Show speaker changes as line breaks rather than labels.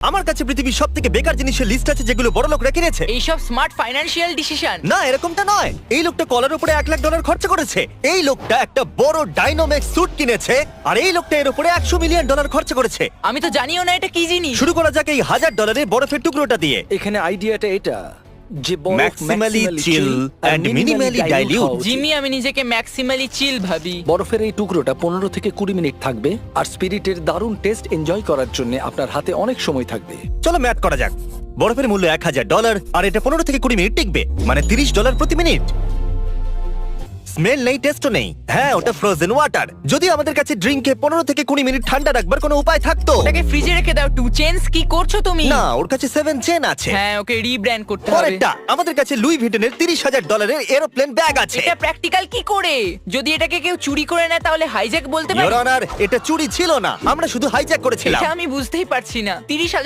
আমার কাছে পৃথিবীর সবথেকে বেকার জিনিসের লিস্ট আছে যেগুলো বড় লোকরা কিনেছে।
এইসব স্মার্ট ফাইন্যান্সিয়াল ডিসিশন।
না, এরকমটা নয়। এই লোকটা কলার উপরে $1,00,000 খরচা করেছে। এই লোকটা একটা বড় ডাইনোমেক্স স্যুট কিনেছে, আর এই লোকটা এর উপরে $100 মিলিয়ন খরচা করেছে।
আমি তো জানিও না এটা কি জিনিস।
শুরু করা যাক এই $1,000 বরফের টুকরোটা দিয়ে।
এখানে আইডিয়াটা এটা যে বরফ
Maximally chill and minimally dilute।
Jimmy, আমি নিজেকে ম্যাক্সিমালি চিল ভাবি।
বরফের এই টুকরোটা 15 থেকে 20 মিনিট থাকবে, আর স্পিরিটের দারুণ টেস্ট এনজয় করার জন্য আপনার হাতে অনেক সময় থাকবে।
চলো ম্যাথ করা যাক। বরফের মূল্য $1,000, আর এটা 15 থেকে 20 মিনিট টিকবে, মানে $30 প্রতি মিনিট। স্মেল নেই, টেস্টও নেই। হ্যাঁ, ওটা ফ্রোজেন ওয়াটার। যদি আমাদের কাছে ড্রিঙ্কে 15 থেকে 20 মিনিট ঠান্ডা রাখবার কোনো উপায় থাকতো।
ওটাকে ফ্রিজে রেখে দাও। 2 চেঞ্জ কি করছো তুমি?
না, ওর কাছে 7 চেন আছে।
হ্যাঁ, ওকে রিব্র্যান্ড করতে হবে।
পরেরটা, আমাদের কাছে লুই ভিটনের $30,000 এরোপ্লেন ব্যাগ আছে।
এটা প্র্যাকটিক্যাল কি করে? যদি এটাকে কেউ চুরি করে নেয় তাহলে হাইজ্যাক বলতে পারি?
ইওর অনার, এটা চুরি ছিল না, আমরা শুধু হাইজ্যাক করেছিলাম।
এটা আমি বুঝতেই পারছি না। 30,000